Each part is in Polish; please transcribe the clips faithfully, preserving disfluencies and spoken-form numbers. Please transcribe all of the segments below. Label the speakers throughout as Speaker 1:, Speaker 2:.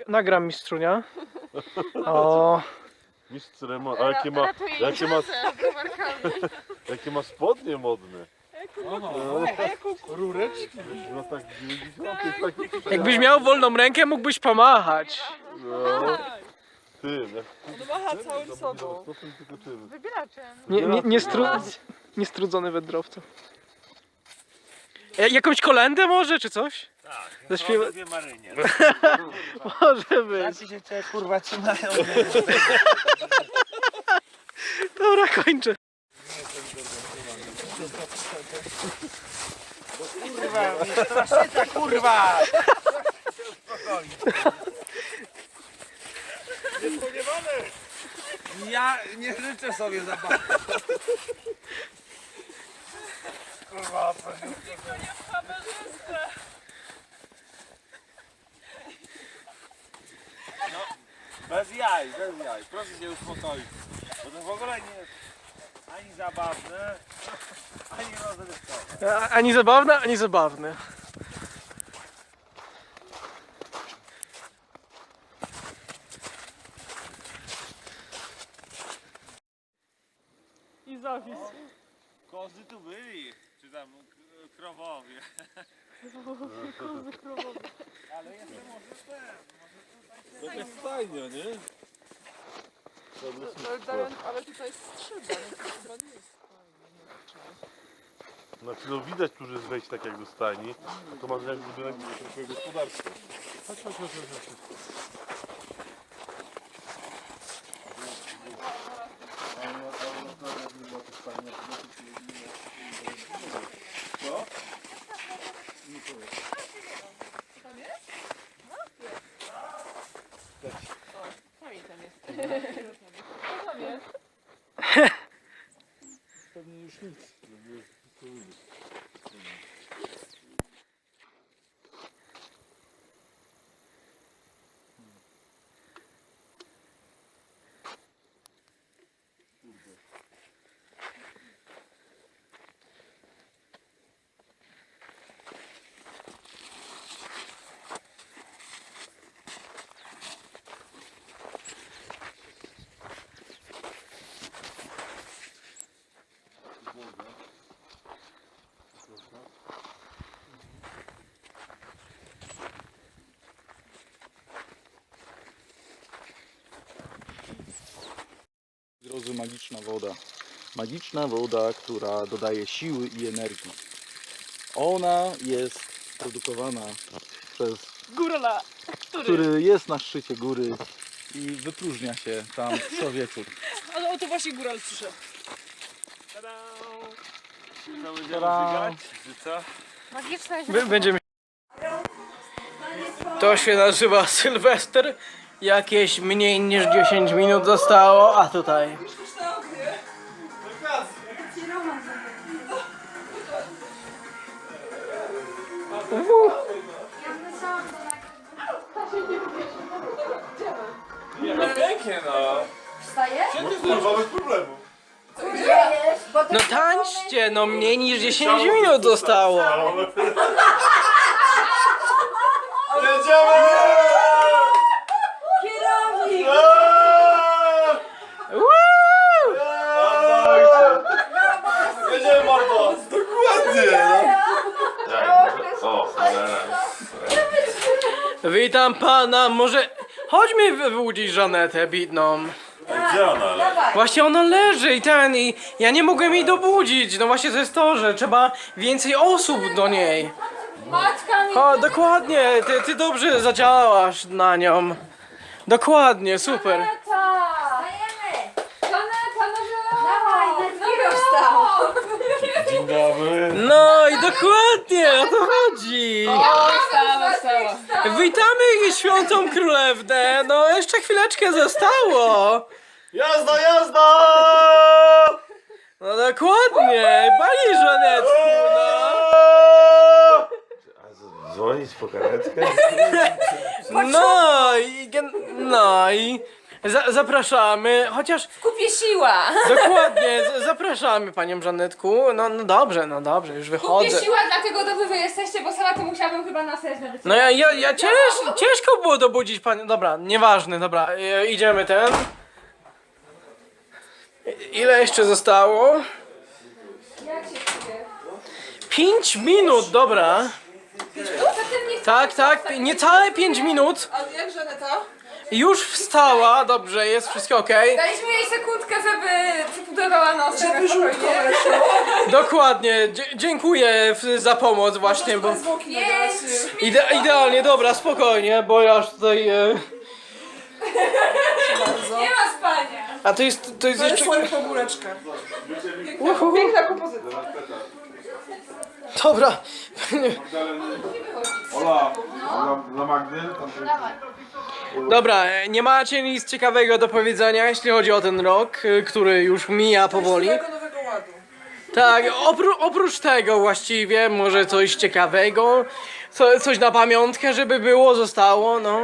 Speaker 1: nagram mistrzunia. O,
Speaker 2: Mistrz Remo, a jakie ma, jakie ma, jakie ma spodnie modne.
Speaker 3: Rureczki.
Speaker 2: No tak dziewięćdziesiąte, taki
Speaker 1: jakbyś miał wolną rękę, mógłbyś pomachać.
Speaker 2: no. Tym, jak
Speaker 3: On macha całym sobą.
Speaker 2: stopem tylko czym.
Speaker 4: Wybieraczem.
Speaker 1: Nie, nie, nie stru, niestrudzony wędrowca. E, Jakąś kolendę może, czy coś?
Speaker 5: Tak,
Speaker 1: Zaśpiewa...
Speaker 5: dwie Marynie.
Speaker 1: Może być.
Speaker 5: Ci się cię kurwa trzymają.
Speaker 1: Dobra, kończę.
Speaker 5: Kurwa, straszyca kurwa!
Speaker 3: Niespodziewane!
Speaker 5: Ja nie życzę sobie zabawy. Kurwa, proszę. No, bez jaj, bez jaj. Proszę się uspokoić. Bo to w ogóle nie jest ani zabawne, ani rozrywkowe.
Speaker 1: A- Ani zabawne, ani zabawne.
Speaker 3: I zawis.
Speaker 5: Kozy tu byli, czy tam k- krowowie.
Speaker 3: Kozy krowowe.
Speaker 5: Ale jeszcze może ten, może tutaj
Speaker 2: To jest fajnie, nie?
Speaker 3: Ale, Darian, ale tutaj strzyba, no to chyba nie jest fajne.
Speaker 2: Znaczy no widać tu, że jest wejść tak jak do stajni, a to masz jak budynek swojego gospodarstwa. Chodź, chodź, chodź, chodź, chodź.
Speaker 3: Fajnie tam jest. Co tam jest?
Speaker 2: Pewnie już nic.
Speaker 6: Drodzy, magiczna woda. Magiczna woda, która dodaje siły i energii. Ona jest produkowana przez
Speaker 3: Górala.
Speaker 6: który jest na szczycie góry i wypróżnia się tam co wieczór.
Speaker 3: Ale o to właśnie góral przyszedł.
Speaker 5: co będziemy żygać, czy co?
Speaker 4: Magiczna
Speaker 1: By- Będziemy. To się nazywa Sylwester. Jakieś mniej niż dziesięć minut zostało, a tutaj. Uhu.
Speaker 5: No pięknie no.
Speaker 2: Kurwa, bez problemu.
Speaker 1: No tańczcie, no mniej niż dziesięć minut zostało.
Speaker 2: Jedziemy!
Speaker 4: Kierownik!
Speaker 1: Woo!
Speaker 2: Jedziemy, mordo! Dokładnie! No. O,
Speaker 1: Witam pana, może chodźmy wyłudzić Żanetę bidną.
Speaker 2: gdzie ona?
Speaker 1: Właśnie ona leży i ten i ja nie mogłem jej dobudzić. No właśnie to jest to, że trzeba więcej osób do niej.
Speaker 4: Maćka mi...
Speaker 1: O, dokładnie, ty, ty dobrze zadziałasz na nią. Dokładnie, super.
Speaker 4: Żaneta! Stajemy! Żaneta, no dawaj, no wstał!
Speaker 2: Dzień dobry.
Speaker 1: No i dokładnie, o to chodzi.
Speaker 3: Wstała, wstała.
Speaker 1: Witamy Świętą Królewnę. No jeszcze chwileczkę zostało.
Speaker 2: Jazda, jazda!
Speaker 1: No dokładnie, pani Żanetku, no.
Speaker 2: Dzwonić po karetkę?
Speaker 1: No i, gen- no i Za, zapraszamy, chociaż
Speaker 4: Kupię siła.
Speaker 1: dokładnie, z, zapraszamy panią Żanetku. No, no dobrze, no dobrze, już
Speaker 4: Kupię
Speaker 1: wychodzę.
Speaker 4: siła, dlatego to wy, wy jesteście, bo sama to musiałabym chyba na sens nawet.
Speaker 1: No ja, ja, ja cięż, ciężko było dobudzić panią. Dobra, nieważne, dobra, e, idziemy ten. I- Ile jeszcze zostało?
Speaker 4: Jak się czuje?
Speaker 1: Pięć minut, dobra.
Speaker 4: No, zatem nie chcę.
Speaker 1: Tak, tak, niecałe pięć minut.
Speaker 3: A jak Żaneta?
Speaker 1: Już wstała, dobrze, jest wszystko okej.
Speaker 4: Daliśmy jej sekundkę, żeby przypudrowała nos.
Speaker 3: Żeby żółtko weszło.
Speaker 1: Dokładnie, dzie- dziękuję w- za pomoc właśnie, bo...
Speaker 3: Zwłoki
Speaker 4: Jest.
Speaker 3: nagrać.
Speaker 1: Ide idealnie, dobra, spokojnie, bo ja już tutaj... E...
Speaker 4: Nie ma spania.
Speaker 1: A to jest, to jest
Speaker 3: To jest
Speaker 1: jeszcze...
Speaker 3: moja pogóreczka.
Speaker 1: Uhu.
Speaker 3: Piękna kompozycja.
Speaker 1: Dobra.
Speaker 2: Ola, dla, dla Magdy? Tam
Speaker 1: Dobra, e, nie macie nic ciekawego do powiedzenia, jeśli chodzi o ten rok, e, który już mija powoli.
Speaker 3: Nowego, nowego ładu.
Speaker 1: Tak, opró oprócz tego właściwie, może coś ciekawego, co, coś na pamiątkę, żeby było, zostało, no.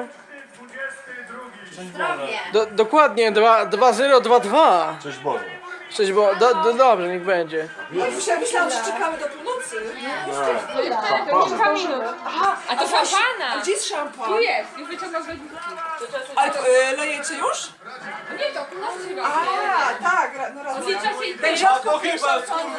Speaker 1: Do, dokładnie, dwa zero dwa dwa.
Speaker 2: Cześć Boże.
Speaker 1: Coś było, do, do, dobrze, niech będzie.
Speaker 3: Ja myślałam, że czekamy do północy.
Speaker 4: Kilka minut. A to szampana.
Speaker 3: A gdzie jest szampan?
Speaker 4: Tu jest, już wyciągam z lodówki.
Speaker 3: Ale to y, lejecie już?
Speaker 4: Nie, to północy się robi.
Speaker 3: A, tak, ra- no raz.
Speaker 4: Odlicza się i
Speaker 3: Tak
Speaker 4: ty.
Speaker 3: rzadko chyba szampan.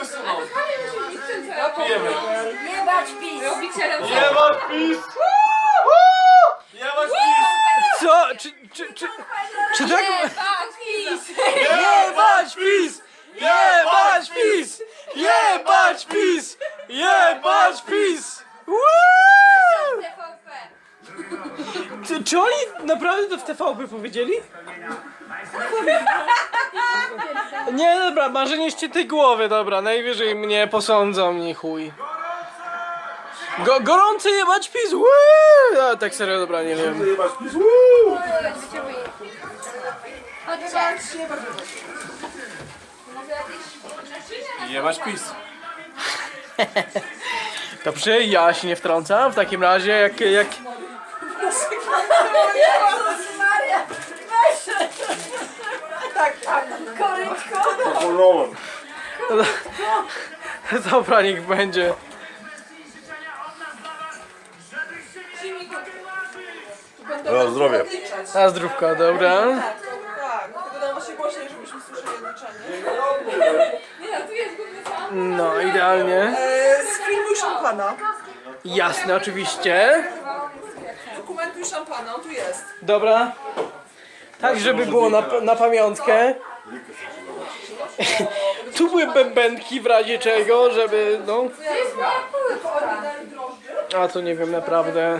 Speaker 4: Nie bać pis. Robicielem
Speaker 2: Nie masz pis! Nie masz pis!
Speaker 1: Co? Czy, czy, czy, czy tak...
Speaker 4: Nie bać pis.
Speaker 1: Jebać PiS! Jebać PiS! Jebać PiS! Jebać PiS! Woo!
Speaker 4: T V P.
Speaker 1: Czy, czy oni naprawdę to w T V P powiedzieli? Nie, dobra, marzenie ściętej głowy, dobra, najwyżej mnie posądzą, nie chuj. Go, gorący jebać PiS! Woo! A, tak serio, dobra, nie wiem.
Speaker 2: Nie masz pis! Woo!
Speaker 4: Chodźcie.
Speaker 1: Jebać PiS. Dobrze, ja się nie wtrącam w takim razie, jak... jak...
Speaker 3: Tak, tak. Koryczko.
Speaker 2: Zapomniałem.
Speaker 1: Dobra, niech będzie.
Speaker 2: No, zdrowie.
Speaker 1: Na zdrówka, dobra.
Speaker 3: Tak, tak. Tylko dam właśnie głośniej, żebyśmy słyszeli odliczanie.
Speaker 4: Nie no, tu jest główny sam.
Speaker 1: No, idealnie.
Speaker 3: E, Sfilmuj szampana.
Speaker 1: Jasne, oczywiście.
Speaker 3: Dokumentuj szampana, on tu jest.
Speaker 1: Dobra. Tak, żeby było na, na pamiątkę. Tu były bębenki w razie czego, żeby, no...
Speaker 4: To jest moja płytka.
Speaker 1: A to nie wiem, naprawdę.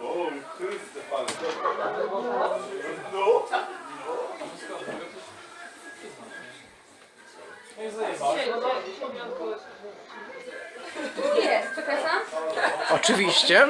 Speaker 4: Tu jest, przepraszam.
Speaker 1: Oczywiście.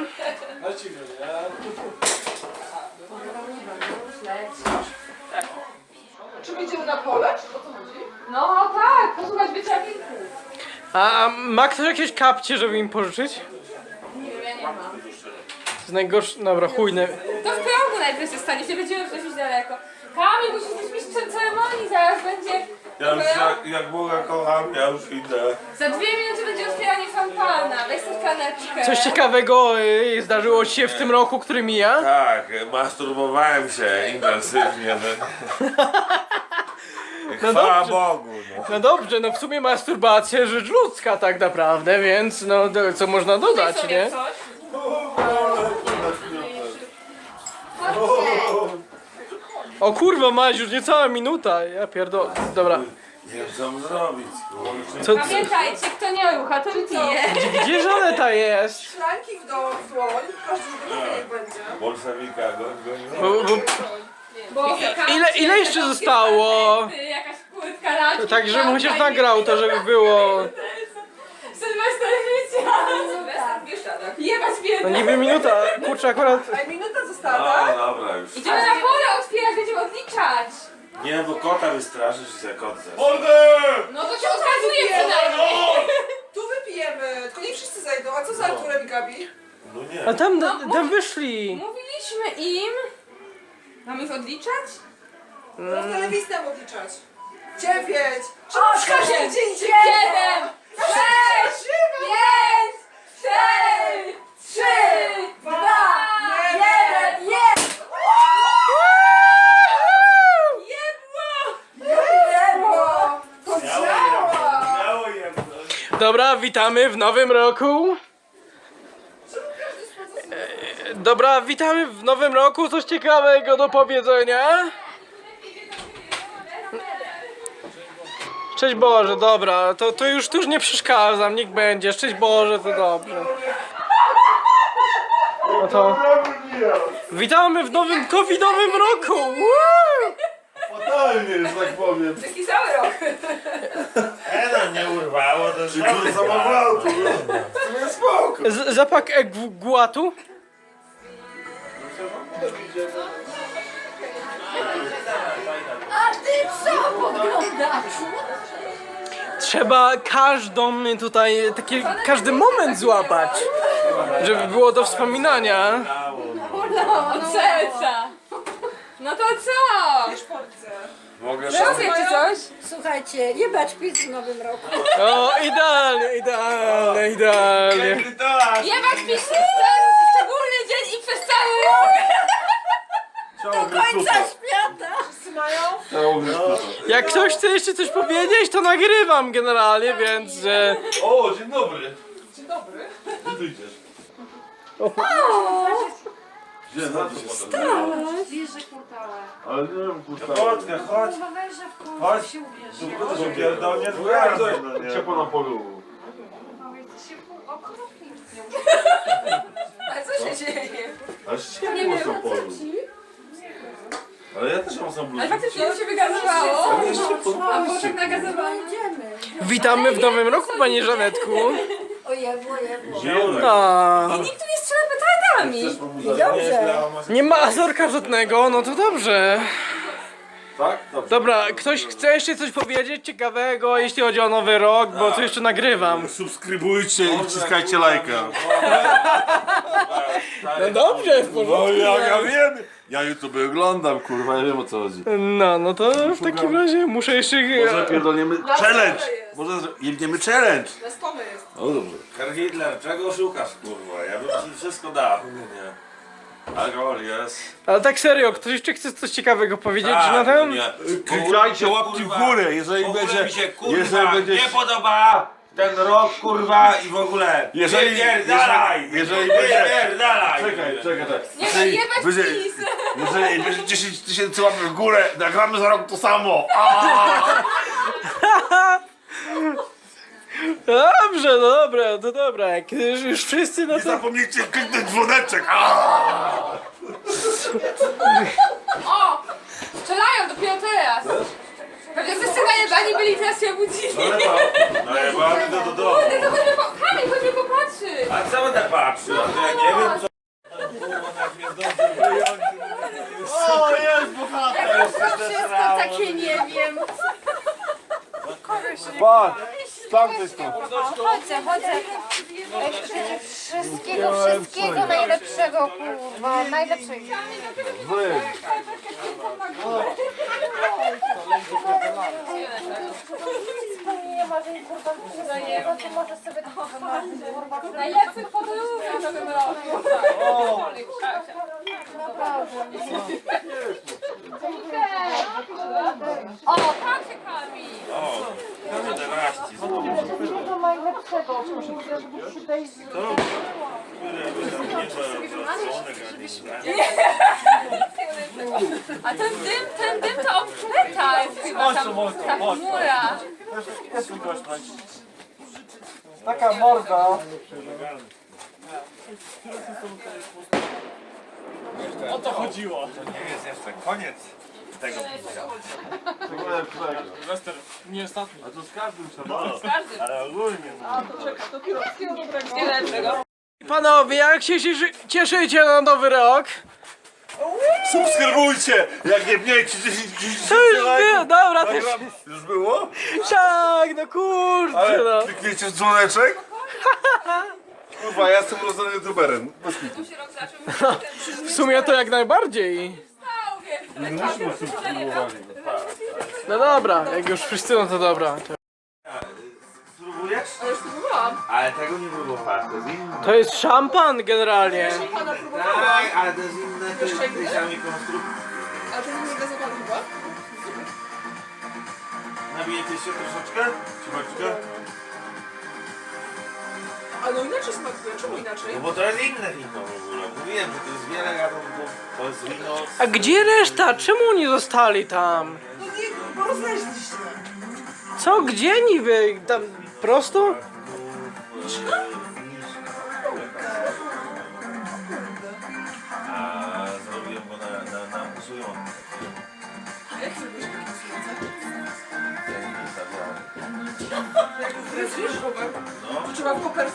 Speaker 3: Czy idziemy na pole? Czy o co chodzi?
Speaker 4: No tak, posłuchać wieczorników.
Speaker 1: A ma ktoś jakieś kapcie, żeby im pożyczyć?
Speaker 4: Nie wiem, ja nie mam.
Speaker 1: To jest najgorsze... Dobra, chujne.
Speaker 4: To w progu najpierw się stanie, nie będziemy przejść daleko. Kamil, musisz być mistrzem ceremonii, zaraz będzie...
Speaker 5: Ja już jak, jak Boga kocham, ja już idę.
Speaker 4: Za dwie minuty będzie otwieranie szampana, weź sobie kaneczkę.
Speaker 1: Coś ciekawego y, zdarzyło ci się w tym roku, który mija?
Speaker 5: Tak, masturbowałem się intensywnie.
Speaker 1: No
Speaker 5: Chwała
Speaker 1: dobrze.
Speaker 5: Bogu. No.
Speaker 1: No dobrze, no w sumie masturbacja rzecz ludzka tak naprawdę, więc no do- co można dodać,
Speaker 4: sobie
Speaker 1: nie?
Speaker 4: coś.
Speaker 1: O kurwa, Maś, już niecała minuta, ja pierdolę. Dobra,
Speaker 5: Nie wiem co mam zrobić, kurczę.
Speaker 1: co, co,
Speaker 4: Pamiętajcie, kto nie rucha, to pije.
Speaker 1: gdzie Żaneta jest?
Speaker 3: Szklanki w dół, w dłoń. Każdy z niech będzie.
Speaker 5: Bolszewika, go, go,
Speaker 1: Bo, bo,
Speaker 4: Bo
Speaker 1: ile, ile jeszcze zostało?
Speaker 4: Jakaś płytka laczki.
Speaker 1: Tak, żebym chociaż nagrał to, żeby było...
Speaker 4: Sylwester życia. Sylwester Bieszczadach. Jebać
Speaker 1: No
Speaker 4: biedny.
Speaker 1: niby minuta, kurczę akurat...
Speaker 3: A minuta została, tak?
Speaker 5: No dobra już.
Speaker 4: Idziemy na pole otwierać, będziemy odliczać.
Speaker 5: Nie, bo kota wystraszysz i za kot zes.
Speaker 4: No to się okazuje przynajmniej.
Speaker 3: Tu wypijemy. Tylko nie wszyscy zajdą. A co z Arturem i Gabi?
Speaker 5: No nie.
Speaker 1: A tam, tam wyszli.
Speaker 4: Mówiliśmy im. Mamy ich odliczać?
Speaker 3: Prosto lewistę odliczać. Dziewięć.
Speaker 4: Osiem, siedem, sześć, pięć, cztery, trzy, dwa, jeden, jest!
Speaker 3: Jebło! To działa!
Speaker 5: Miało jedno.
Speaker 1: Dobra, witamy w nowym roku. E, Dobra, witamy w nowym roku. Coś ciekawego do powiedzenia. Szczęść Boże, dobra, to, to już tu już nie przeszkadzam, niech będzie. Szczęść Boże, to dobrze. No to witamy w nowym covidowym roku! Woo!
Speaker 2: Fatalnie, że tak powiem.
Speaker 4: Taki cały rok.
Speaker 5: Ena nie urwało, to
Speaker 2: Czy kurwa zamawiał tu? To jest spoko.
Speaker 1: Z, zapach egwatu.
Speaker 4: A ty co podglądasz?
Speaker 1: Trzeba każdą tutaj, taki, każdy moment złapać, żeby było do wspominania.
Speaker 4: No, serca. No to co?
Speaker 5: Mogę
Speaker 4: Rozumiecie coś?
Speaker 7: Słuchajcie, jebać pizz w nowym roku.
Speaker 1: O, idealnie, idealnie, idealnie.
Speaker 4: Jebać pisz w ten szczególny dzień i przez cały rok.
Speaker 2: Do
Speaker 7: Końca świata!
Speaker 1: Jak ktoś chce jeszcze coś powiedzieć, to nagrywam generalnie, więc... E,
Speaker 2: O, dzień dobry.
Speaker 3: Dzień dobry.
Speaker 2: Gdzie ty idziesz? Gdzie? Na to się
Speaker 7: Bierze kurtałę.
Speaker 2: Ale nie wiem, kurwa.
Speaker 5: Chodźkę, chodź.
Speaker 7: Kurwa, weźże w końcu
Speaker 5: Chodź.
Speaker 7: się ubierz.
Speaker 5: To się pierdolnie
Speaker 2: Jak
Speaker 5: zgadza.
Speaker 2: to ciepło na polu?
Speaker 7: Kurwa, jesteście pół okropni.
Speaker 4: Ale co się dzieje?
Speaker 2: Aż ciepło na polu. Ale ja też mam sam
Speaker 4: Ale
Speaker 2: bluzę.
Speaker 4: faktycznie mi się wygazowało.
Speaker 2: Ale jeszcze pod...
Speaker 4: A było tak nagazowane.
Speaker 7: Idziemy.
Speaker 1: witamy w nowym roku, pani Żanetku.
Speaker 7: O jebło, jebło.
Speaker 1: A,
Speaker 4: Nikt tu nie strzela petardami.
Speaker 7: Dobrze.
Speaker 1: nie ma azorka żadnego, no to dobrze.
Speaker 2: Tak? Dobrze.
Speaker 1: Dobra, ktoś chce jeszcze coś powiedzieć ciekawego, jeśli chodzi o nowy rok, bo tu jeszcze nagrywam.
Speaker 2: Subskrybujcie i wciskajcie lajka.
Speaker 1: No dobrze, w
Speaker 2: No ja, ja wiem. Ja YouTube oglądam, kurwa, ja wiem o co chodzi.
Speaker 1: No, no to w takim razie muszę jeszcze...
Speaker 2: Może pierdolniemy challenge. Może jebniemy challenge.
Speaker 3: Na stole jest.
Speaker 2: O dobrze.
Speaker 5: Herr Hitler, czego szukasz, kurwa? Ja bym ci wszystko dał. Nie. Alkohol jest.
Speaker 1: Ale tak serio, ktoś jeszcze chce coś ciekawego powiedzieć
Speaker 5: Tak,
Speaker 1: na ten?
Speaker 5: nie.
Speaker 2: Klikajcie łapki w górę, jeżeli
Speaker 5: W ogóle
Speaker 2: będzie...
Speaker 5: mi się, kurwa,
Speaker 2: jeżeli będzie...
Speaker 5: nie podoba ten rok, kurwa, i w ogóle.
Speaker 2: Jeżeli-
Speaker 5: Wypierdalaj!
Speaker 2: jeżeli- jeżeli będzie-
Speaker 5: Wypierdalaj!
Speaker 2: Czekaj, czekaj, czekaj.
Speaker 4: Nie,
Speaker 2: Jeżeli
Speaker 4: jebać
Speaker 2: będzie,
Speaker 4: pis.
Speaker 2: jeżeli będzie dziesięć tysięcy łapek w górę, nagramy za rok to samo. Aaaa!
Speaker 1: Dobrze, no dobra, to dobra, jak już, już wszyscy no
Speaker 2: Nie
Speaker 1: to...
Speaker 2: zapomnijcie kliknąć dzwoneczek. Aaaa!
Speaker 4: O! Strzelają dopiero teraz. Pewnie wszyscy najebani byli, teraz się obudzili.
Speaker 5: No to, no jebany to do domu.
Speaker 4: Kurde, to chodźmy po... Kamil, chodźmy popatrzyć.
Speaker 5: A co będę patrzył? A to ja nie wiem co...
Speaker 2: O, jest bohater!
Speaker 7: To wszystko takie nie wiem.
Speaker 2: Patrz, z tamtej strony.
Speaker 7: Chodzę, chodzę. Wszystkiego, wszystkiego najlepszego, kurwa. Najlepszego.
Speaker 2: Wy.
Speaker 7: Nie marzeń, kurwa, wszystkiego, ty możesz sobie to wymarzyć, kurwa.
Speaker 4: Najlepszych podróży w nowym roku.
Speaker 7: Naprawdę.
Speaker 4: O, tak się Kamil.
Speaker 5: O, jedenaście znowu.
Speaker 7: Wszystkiego najlepszego, kurwa, żeby się dać z...
Speaker 4: A ten dym, ten dym to obkleta jest chyba tam, ta chmura.
Speaker 1: Taka morda. O to chodziło.
Speaker 5: To nie jest jeszcze koniec tego.
Speaker 1: Lester, nie ostatni.
Speaker 2: A to z każdym trzeba.
Speaker 5: Ale ogólnie.
Speaker 3: To wszystkiego dobrego.
Speaker 4: Nie lepszego.
Speaker 1: Panowie, jak się cieszy, cieszycie na nowy rok?
Speaker 2: Subskrybujcie! Jak nie mniejcie dziesięć
Speaker 1: To już
Speaker 2: tysięcy
Speaker 1: było,
Speaker 2: lajków.
Speaker 1: dobra, to
Speaker 2: Nagram... Już było?
Speaker 1: tak, no kurczę,
Speaker 2: Ale
Speaker 1: no.
Speaker 2: klikniecie w dzwoneczek? Kurwa, ja jestem urodzonym youtuberem. Bez kitu.
Speaker 4: Tu się rok zaczął.
Speaker 1: W sumie to jak najbardziej.
Speaker 4: Stał, więc
Speaker 2: Nie myśmy z tym spróbowali.
Speaker 1: No dobra, jak już wszyscy, no to dobra. To,
Speaker 5: Spróbujesz?
Speaker 3: Ale już próbowałam.
Speaker 5: Ale tego nie próbowałaś, to jest inne.
Speaker 1: to jest szampan generalnie.
Speaker 3: Pana próbowałam.
Speaker 5: Tak, ale to jest inne, to jest
Speaker 3: Jeszcze
Speaker 5: tej
Speaker 3: inne?
Speaker 5: samej konstrukcji.
Speaker 3: Ale to jest niegazowany chyba?
Speaker 5: Nabijecie się troszeczkę? Ciubaczkę?
Speaker 3: A no inaczej smakuje, czemu inaczej?
Speaker 5: No bo to jest inne wino w ogóle. Mówiłem, że to jest wiele gatunków. To jest wino... z-
Speaker 1: A gdzie reszta? Czemu oni zostali tam?
Speaker 3: No nie, bo rozleźliście.
Speaker 1: Co, gdzie niby? Tam prosto?
Speaker 5: A zrobiłem go na, na, na musujący.
Speaker 3: Jak zrobisz takie słońce?
Speaker 5: Ja nie stawiałem.
Speaker 3: Jak zrezujesz głowę,
Speaker 5: No.
Speaker 3: to trzeba w kopercie